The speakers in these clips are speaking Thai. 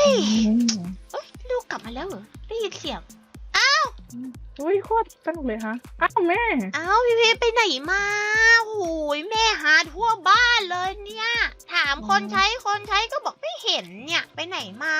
ยอืมลูกกลับมาแล้วเหรอได้ยินเสียงอุ้ยโคตรสนุกเลยฮะอ้าวแม่พี่ไปไหนมาโอ้ยแม่หาทั่วบ้านเลยเนี่ยถามคนใช้ก็บอกไม่เห็นเนี่ยไปไหนมา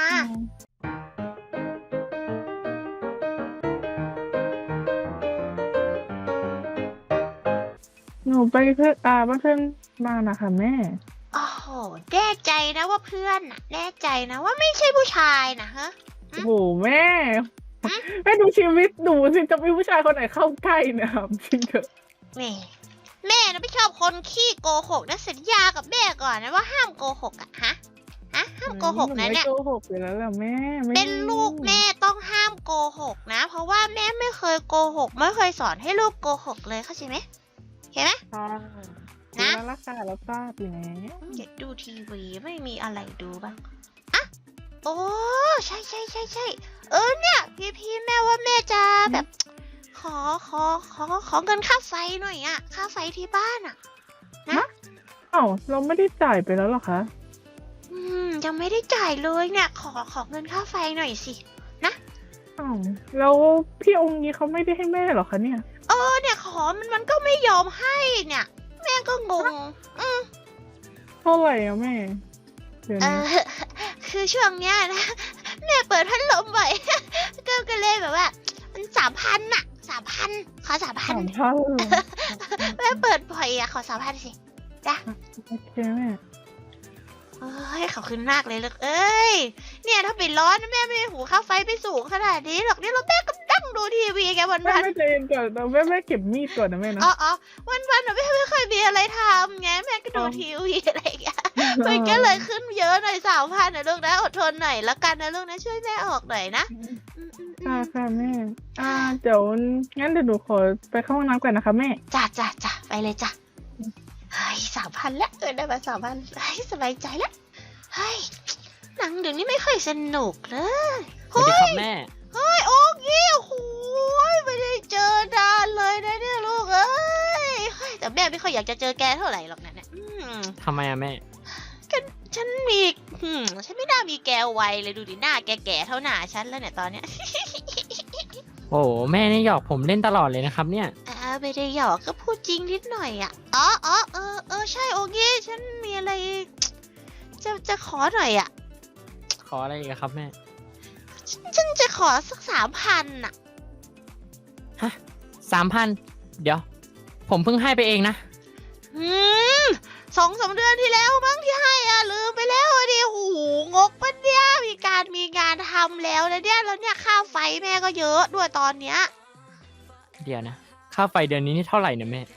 หนูไปเพื่อนบ้านเพื่อนมานะคะแม่โอ้โหแน่ใจนะว่าเพื่อนน่ะแน่ใจนะว่าไม่ใช่ผู้ชายนะฮะโอ้โหแม่แม่ดูชีวิตหนูสิจะมีผู้ชายคนไหนเข้าใกล้เนี่ยครับจริงเถอะแม่นะไม่ชอบคนขี้โกหกนะสัญญากับแม่ก่อนนะว่าห้ามโกหกอะฮะห้ามโกหกนะเนี่ยโกหกอยู่แล้วล่ะแม่เป็นลูกแม่ต้องห้ามโกหกนะเพราะว่าแม่ไม่เคยโกหกไม่เคยสอนให้ลูกโกหกเลยเข้าใจไหมเห็นไหมนะรักษาแล้วทราบอยู่แล้วอย่าดูทีวีไม่มีอะไรดูบ้างอะโอ้ใช่เนี่ยพี่แม่ว่าแม่จะแบบขอเงินค่าไฟหน่อยอะค่าไฟที่บ้านอะนะอ้าวเราไม่ได้จ่ายไปแล้วหรอคะยังไม่ได้จ่ายเลยเนี่ยขอเงินค่าไฟหน่อยสินะอ้าวแล้วพี่องค์นี้เขาไม่ได้ให้แม่หรอคะเนี่ยเนี่ยขอมันก็ไม่ยอมให้เนี่ยแม่ก็งงเท่าไหร่อะแม่คือช่วงเนี้ยนะแม่เปิดพัดลมบ่อยก็เลยแบบว่ามัน3,000อะ3,000ขอ3,000แม่เปิดบ่อยอะขอ3,000สิจ้ะโอเคแม่ขอบคุณมากเลยลูกเอ้ยเนี่ยถ้าปิดร้อนแม่ไม่หูค่าไฟไปสูงขนาดนี้หรอกเนี่ยเราแม่ก็นั่งดูทีวีแกวันแม่ใจเย็นก่อนแม่เก็บมีดก่อนนะแม่นะวันแม่ไม่เคยมีอะไรทำไงแม่ก็ดูทีวีอะไรอย่างเงี้ยมันก็เลยขึ้นเยอะหน่อย3,000นะลูกนะอดทนหน่อยแล้วกันนะลูกนะช่วยแม่ออกหน่อยนะค่ะแม่เดี๋ยวงั้นเดี๋ยวหนูขอไปเข้าห้องน้ำก่อนนะคะแม่จ้ะไปเลยจ้ะเฮ้ย3,000แล้วได้มา3,000เฮ้ยสบายใจแล้วเฮ้ยหนังเดี๋ยวนี้ไม่ค่อยสนุกเลยสวัสดีครับแม่เฮ้ยโอ๊กยี่โอ้ยไม่ได้เจอนานเลยนะเนี่ยลูกเอ้ยแต่แม่ไม่ค่อยอยากจะเจอแกเท่าไหร่หรอกนะเนี่ยทำไมอะแม่ฉันไม่น่ามีแกไวเลยดูดิหน้าแก่ๆเท่าหน้าฉันแล้วเนี่ยตอนเนี้ยโอ้แม่นี่หยอกผมเล่นตลอดเลยนะครับเนี่ยไม่ได้หยอกก็พูดจริงนิดหน่อยอ่ะใช่โอ๊กยี่ฉันมีอะไรจะขอหน่อยอ่ะขออะไรอีกครับแม่ฉันจะขอสัก3,000อ่ะฮะ3,000เดี๋ยวผมเพิ่งให้ไปเองนะ 2-3 เดือนที่แล้วมั้งที่ให้ลืมไปแล้วดิหูงกปะเนี่ยมีงานทำแล้วนะเนี่ยแล้วเนี่ยค่าไฟแม่ก็เยอะด้วยตอนเนี้ยเดี๋ยวนะค่าไฟเดือนนี้นี่เท่าไหร่เนี่ยแม่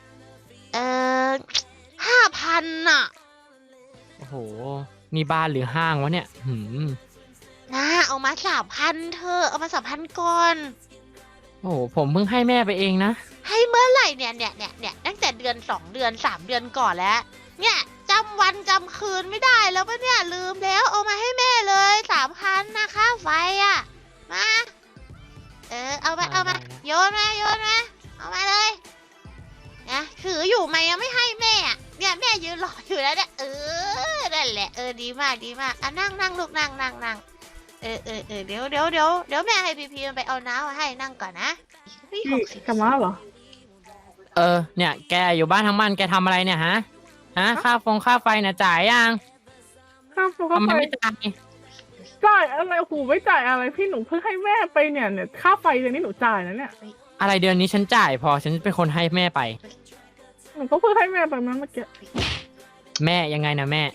5,000อ่ะโอ้โหนี่บ้านหรือห้างวะเนี่ยเอามา3,000เธอเอามา3,000ก่อนโอ้โหผมเพิ่งให้แม่ไปเองนะให้เมื่อไหร่เนี่ยตั้งแต่เดือน2 เดือน3 เดือนก่อนแล้วเนี่ยจำวันจำคืนไม่ได้แล้วปะเนี่ยลืมแล้วเอามาให้แม่เลย3,000นะค่าไฟอ่ะมาเอามาโยนมาเอามาเลยนะถืออยู่ไหมยังไม่ให้แม่เนี่ยแม่ยืนรออยู่แล้วเนี่ยนั่นแหละดีมากนั่งลูกนั่งเดี๋ยวแม่ให้พีมันไปเอาน้ำมาให้นั่งก่อนนะพี่กลับมาเหรอเนี่ยแกอยู่บ้านทั้งวันแกทำอะไรเนี่ยฮะค่าไฟเนี่ยจ่ายยังค่าไฟไม่จ่ายอะไรหูไม่จ่ายอะไรพี่หนูเพิ่งให้แม่ไปเนี่ยค่าไฟเดือนนี้หนูจ่ายนะเนี่ยอะไรเดือนนี้ฉันจ่ายพอฉันเป็นคนให้แม่ไปหนูก็เพิ่งให้แม่ไปเมื่อกี้แม่ยังไงนะแม่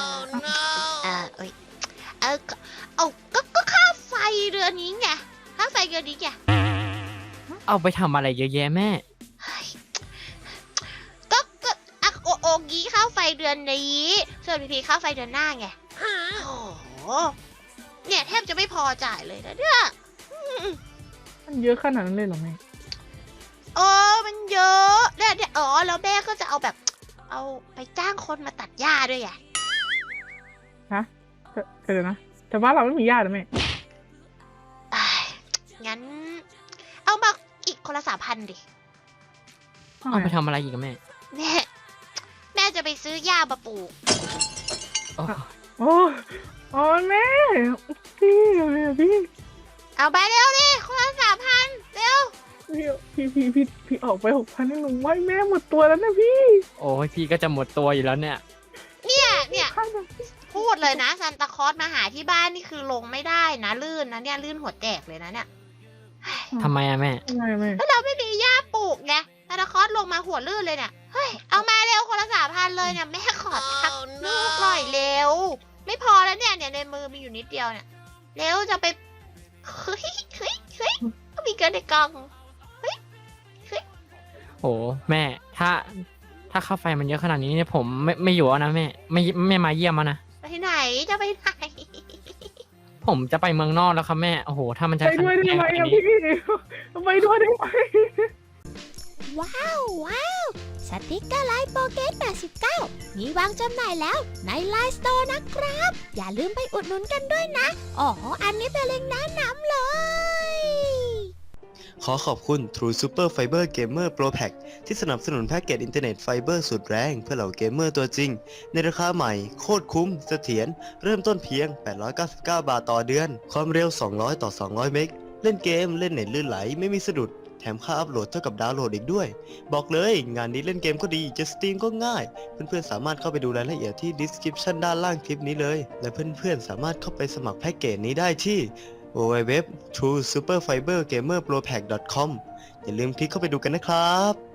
ก็ค่าไฟเดือนนี้ไงค่าไฟเดือนนี้ไงเอาไปทำอะไรเยอะแยะแม่โอกี้ค่าไฟเดือนนี้ส่วนพีค่าไฟเดือนหน้าไงโอ้โหเนี่ยแทบจะไม่พอจ่ายเลยนะเนี่ยมันเยอะขนาดนั้นเลยเหรอแม่มันเยอะเนี่ยแล้วแม่ก็จะเอาแบบเอาไปจ้างคนมาตัดหญ้าด้วยไงเดี๋ยวนะแต่ว่าเราไม่มีหญ้าหรอแม่งั้นเอามาอีกคนละ3,000ดิเอาไปทำอะไรอีกกับแม่แม่จะไปซื้อหญ้ามาปลูกโอ้อ๋อแม่พี่พี่เอาไปเร็วดิคนละ3,000เร็วพี่ออกไป6,000ให้หนูไว้แม่หมดตัวแล้วนะพี่โอ้ยพี่ก็จะหมดตัวอยู่แล้วเนี่ยเนี่ย พูดเลยนะซันตาคลอสมาหาที่บ้านนี่คือลงไม่ได้นะลื่นนะเนี่ยลื่นหัวแตกเลยนะเนี่ยทำไมอะแม่ไม่แล้วเราไม่มีหญ้าปลูกไงซันตาคลอสลงมาหัวลื่นเลยเนี่ยเฮ้ยเอามาเร็วคนละ3,000เลยเนี่ยแม่ขอทักลูกหน่อยเร็ว ไม่พอแล้วเนี่ยในมือมีอยู่นิดเดียวเนี่ยเร็วจะไปเฮ้ยก็มีเกินในกล่องโอ้แม่ ถ้าค่าไฟมันเยอะขนาดนี้เนี่ยผมไม่อยู่แล้วนะแม่ ไม่มาเยี่ยมแล้วนะไปไหนจะไปไหนผมจะไปเมืองนอกแล้วครับแม่ โอ้โห ถ้ามันจะไปด้วยได้ไหมขนาอะนี้พี่ไปด้วยได้ไหมว้าวสติกเกอร์ไลน์โปเกต89มีวางจำหน่ายแล้วในไลน์สโตร์นะครับ อย่าลืมไปอุดหนุนกันด้วยนะ อ๋อ อันนี้เป็นเล็งก์แนะนำเลยขอขอบคุณ True Super Fiber Gamer Pro Pack ที่สนับสนุนแพ็กเกจอินเทอร์เน็ตไฟเบอร์สุดแรงเพื่อเหล่าเกมเมอร์ตัวจริง ในราคาใหม่ โคตรคุ้มเสถียรเริ่มต้นเพียง 899 บาทต่อเดือน ความเร็ว 200 ต่อ 200 เมกเล่นเกม เล่นเน็ตลื่นไหล ไม่มีสะดุด แถมค่าอัพโหลดเท่ากับดาวน์โหลดอีกด้วย บอกเลยงานนี้เล่นเกมก็ดี จะสตรีมก็ง่าย เพื่อนๆสามารถเข้าไปดูรายละเอียดที่ description ด้านล่างคลิปนี้เลย และเพื่อนๆสามารถเข้าไปสมัครแพ็กเกจนี้ได้ที่ www.truesuperfibergamerpropack.com อย่าลืมคลิกเข้าไปดูกันนะครับ